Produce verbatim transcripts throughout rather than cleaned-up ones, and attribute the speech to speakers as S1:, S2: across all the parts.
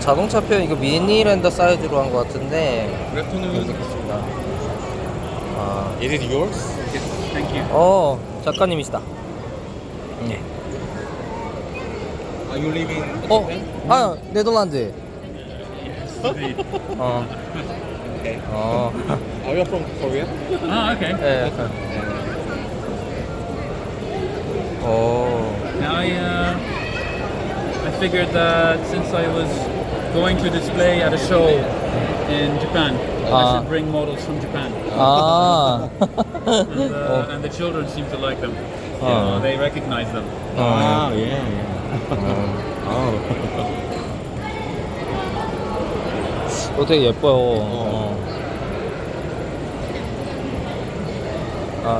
S1: 자동차 표 이거 미니랜더 사이즈로 한 것 같은데
S2: Good afternoon.
S1: 있습니다. 아,
S2: Is it yours?
S3: Yes, thank you.
S1: 어 작가님이시다. 네.
S2: Are you living in
S1: 어,
S2: Japan?
S1: 아 네덜란드.
S3: Indeed.
S1: 어,
S2: Okay.
S1: 어,
S2: Are you from Korea?
S3: Ah, okay.
S1: 예. 오,
S3: Now I, uh, I figured that since I was going to display at a show in Japan, I
S1: Ah.
S3: should bring models from Japan.
S1: 아,
S3: And, uh, and the children seem to like them. You
S1: Ah.
S3: know, they recognize them.
S2: Ah, yeah, yeah. Oh.
S1: 어, 되게 예뻐요. 어. 아,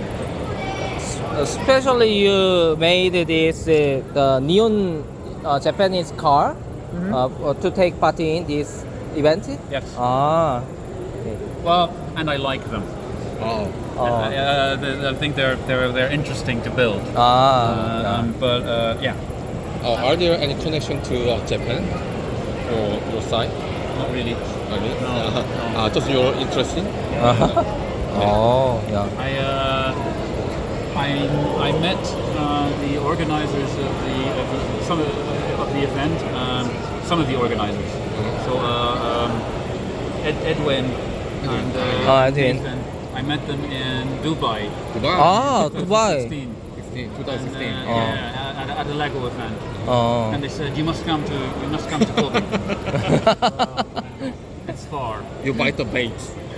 S1: especially you made this uh, the neon uh, Japanese car uh, to take part in this event.
S3: Yes.
S1: 아, 네.
S3: Well, and I like them.
S2: Oh.
S1: 어,
S3: Uh, the- I think they're they're they're interesting to build.
S1: 아,
S3: Uh,
S1: 야.
S3: um, but uh, yeah,
S2: Uh, are there any connection to uh, Japan or your side?
S3: not really.
S2: I mean,
S3: No,
S2: uh,
S3: no.
S2: uh, just your interesting.
S1: 어, 야.
S3: I uh, I I met uh, the organizers of the, of the some of the, of the event, um, some of the organizers. So uh, um, Ed, Edwin and uh,
S1: Ah, Edwin.
S3: Ethan, I met them in Dubai.
S2: Dubai.
S1: 아, 두바이.
S3: twenty sixteen.
S2: sixteen,
S3: And,
S2: twenty sixteen.
S3: uh,
S1: Oh.
S3: yeah, at, at a Lego event,
S1: 어.
S3: and they said you must come to you must come to Kobe. It's far.
S2: You bite the bait.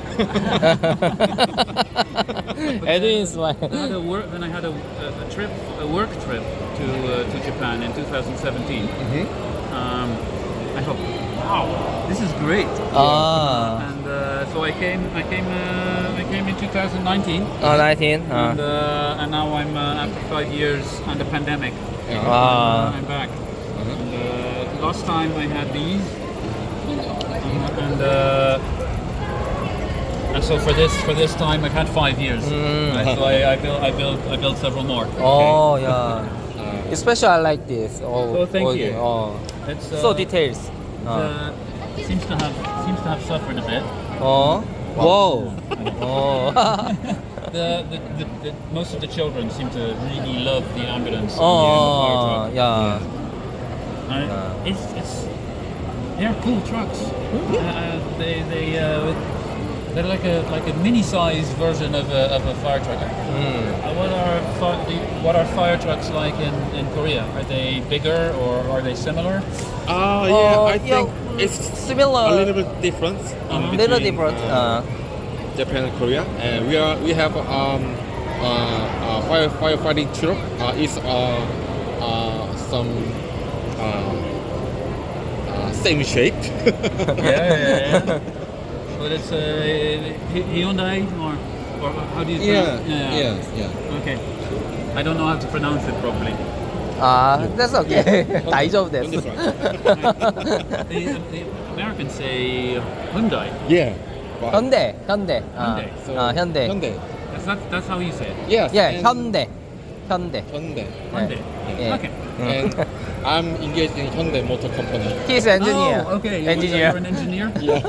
S1: Edwin smile.
S3: Then I had a work. Then I had a, a, a trip, a work trip to uh, to Japan in two thousand seventeen.
S2: Mm-hmm.
S3: Um, I thought, wow, this is great.
S1: 아,
S3: And uh, so I came. I came. Uh, I came in two thousand nineteen.
S1: 어, nineteen.
S3: And,
S1: 어.
S3: uh, and now I'm uh, after five years and a pandemic.
S2: Yeah.
S1: 아,
S3: I'm back. And, uh, last time I had these, and, and uh, and so for this for this time I've had five years.
S1: Mm.
S3: Right, so I, I built I built I built several more.
S1: 어, 야.
S2: Uh,
S1: Especially I like this. Oh,
S3: Oh, thank you.
S1: 어.
S3: It's uh,
S1: So details. 어.
S3: uh, seems to have seems to have suffered a bit.
S1: 어. 와우. 어.
S3: The, the, the, the most of the children seem to really love the ambulance.
S1: 어,
S3: and the fire truck.
S1: 야.
S3: Uh, it's it's they're cool trucks. Uh, they they uh, they're like a like a mini-sized version of a, of a fire truck.
S1: 음.
S3: Uh, what are fi- the- what are fire trucks like in, in Korea? Are they bigger or are they similar?
S2: uh, yeah,
S1: 어,
S2: I think
S1: 야,
S2: it's
S1: similar.
S2: a little bit different. Um,
S1: little
S2: between,
S1: different.
S2: uh,
S1: 어.
S2: Japan and Korea, and we are we have um uh, uh fire firefighting truck. Uh, is uh uh some uh, uh same shape.
S3: yeah, yeah, yeah. But it's uh, Hy- Hyundai or or how do you
S2: yeah,
S3: pronounce-
S2: yes, yeah.
S3: Okay. I don't know how to pronounce it properly.
S1: 아, that's okay. 다이저브 됐어.
S2: That's right.
S3: the, the Americans say Hyundai.
S2: Yeah. Right.
S1: 현대, 현대. 아,
S3: 현대.
S2: So,
S1: 아, 현대.
S2: Hyundai.
S3: That's that, that's how you say it.
S2: Yes.
S1: 예,
S2: and
S1: 현대. 현대.
S2: Hyundai.
S3: Hyundai.
S1: 예.
S3: Okay.
S2: And I'm engaged in Hyundai Motor Company.
S1: He's engineer.
S3: Oh, okay. You-
S1: Engineer.
S3: You're an engineer.
S2: Yeah.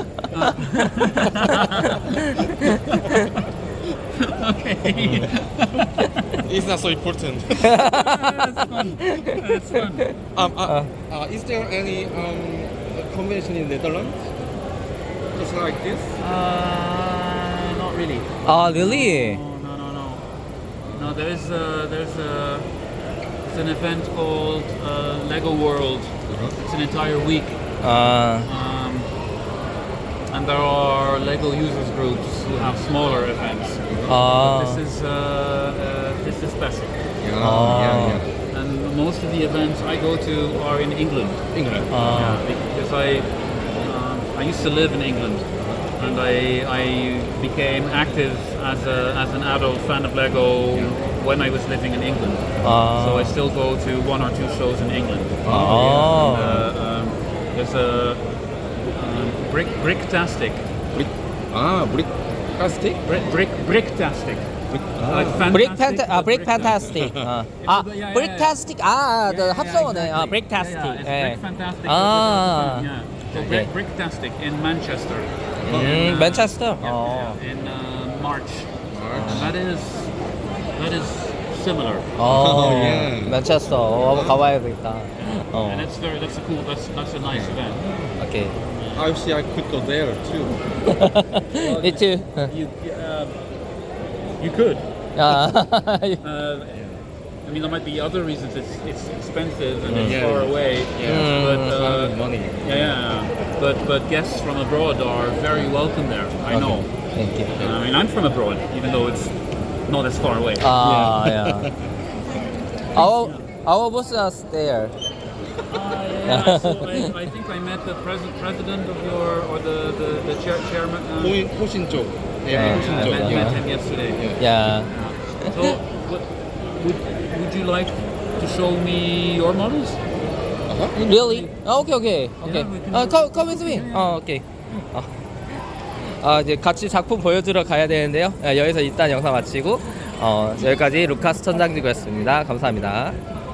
S3: Okay.
S2: It's not so important.
S3: That's fun. That's fun.
S2: um, uh, uh, is there any um convention in Netherlands? Just like this?
S3: Uh, not really.
S1: 아, really?
S3: No, no, no, no. No, there's a, there's a it's an event called uh, Lego World. It's an entire week,
S1: 아,
S3: um, and there are Lego users groups who have smaller events.
S1: 아.
S3: This is uh, uh, this is special,
S2: Yeah,
S1: Ah.
S2: yeah, yeah.
S3: and most of the events I go to are in England.
S2: England.
S1: 아.
S3: Yeah, because I um, I used to live in England, and I I became active as a as an adult fan of Lego when I was living in England.
S1: 아.
S3: So I still go to one or two shows in England.
S1: 아.
S3: Uh, um, there's a um, brick bricktastic,
S2: Brick. Ah, brick. Plastic.
S3: brick brick bricktastic. Like
S1: 브릭
S3: fantastic,
S1: 팬타 아
S3: but
S1: 브릭
S3: brick
S1: 판타스틱.
S3: fantastic.
S1: 아,
S3: It's
S1: 아
S3: a bit- yeah,
S1: 브릭
S3: yeah,
S1: 타스틱 아,
S3: Yeah,
S1: 그
S3: yeah,
S1: 합성어네. 아,
S3: exactly.
S1: 브릭
S3: Yeah,
S1: 타스틱.
S3: yeah, it's
S1: 예.
S3: brick fantastic.
S1: 아.
S3: but with a- yeah. So
S1: Okay.
S3: brick bricktastic in Manchester.
S1: 음,
S3: In, uh,
S1: 맨체스터.
S3: yeah,
S1: 어.
S3: yeah, in uh, March.
S2: March.
S3: And that is that is similar.
S1: 어.
S2: 예.
S1: 맨체스터. 어, 한번 가봐야 되겠다. 어.
S3: And that's very that's a cool that's that's a nice event.
S1: 오케이.
S2: I see I could go there too.
S1: Me too.
S3: You uh, you could.
S1: 아.
S3: Uh, I mean, there might be other reasons. It's it's expensive and it's
S2: Yeah.
S3: far away.
S2: Yeah.
S3: But
S1: Mm.
S3: uh,
S2: money.
S3: yeah, yeah. But but guests from abroad are very welcome there. I know.
S1: Thank you.
S3: I mean, I'm from abroad, even though it's not as far away.
S1: 아, yeah. Our our boss is there.
S3: Ah, yeah. So I, I think I met the pres- president of your or the the, the chair, chairman. Uh,
S2: 호신 호신 쪽. 예,
S1: 네.
S2: 호신
S3: I
S2: 쪽.
S3: met you
S1: Yeah.
S3: with him yesterday.
S2: Yeah.
S1: Yeah.
S3: Yeah. So, what, would would you like to show me your models?
S1: Really? 아, 오케이 오케이 오케이.
S3: we can
S1: 아,
S3: do
S1: come come with me. 어, 오케이. 어. 아, 이제 같이 작품 보여주러 가야 되는데요. 아, 여기서 일단 영상 마치고 어, 여기까지 루카스 천장지구였습니다. 감사합니다.